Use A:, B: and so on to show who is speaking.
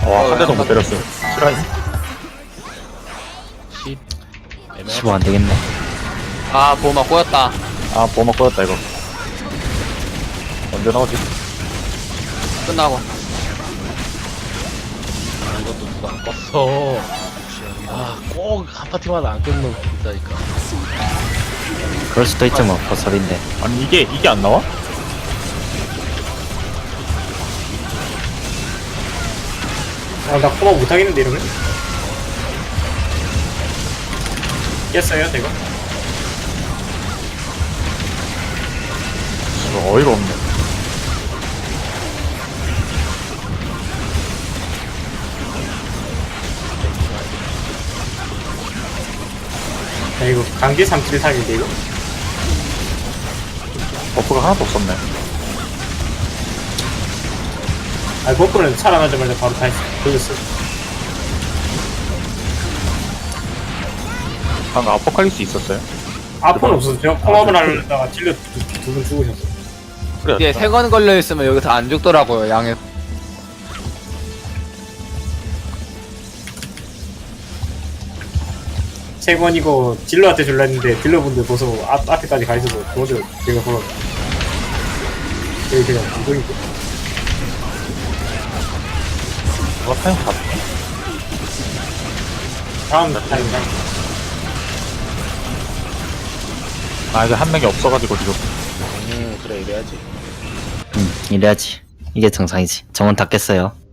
A: 와, 한 대도 못 때렸어. 실화임?
B: 10
C: 15 안되겠네.
B: 아 보호막 꼬였다.
A: 아, 보호막 꺼졌다, 이거. 언제 나오지?
B: 끝나고.
D: 아, 이것도 누가 안 껐어. 아, 꼭 한 파티마다 안 끊는 거 있다니까.
C: 그럴 수도 있죠 뭐 버설인데.
A: 아니, 이게 안 나와?
E: 나 커버 못하겠는데 이러면? 깼어요 제가?
A: 이거 어이가 없네.
E: 야 이거 강제 373인데 이거?
A: 버프가 하나도 없었네.
E: 아 버프는 살아나자마자 바로 다 돌렸어.
A: 방금 아포칼립스 있었어요?
E: 아픈 없어서 제가 콩합을 하려다가 찔러 두 분 죽으셨어.
A: 그래.
B: 이게 3건 걸려있으면 여기서 안 죽더라고요 양에.
E: 세 번 이거 딜러한테 줄라 했는데 딜러분들 벌써 앞에까지 가 있어서 도저히 제가 걸어. 여기 그냥 이거니까.
A: 타임 다
E: 다음 타임이랑
A: 아, 이제 한 명이 없어가지고 지금.
D: 그래, 이래야지.
C: 이래야지. 이게 정상이지. 정원 다 깼어요.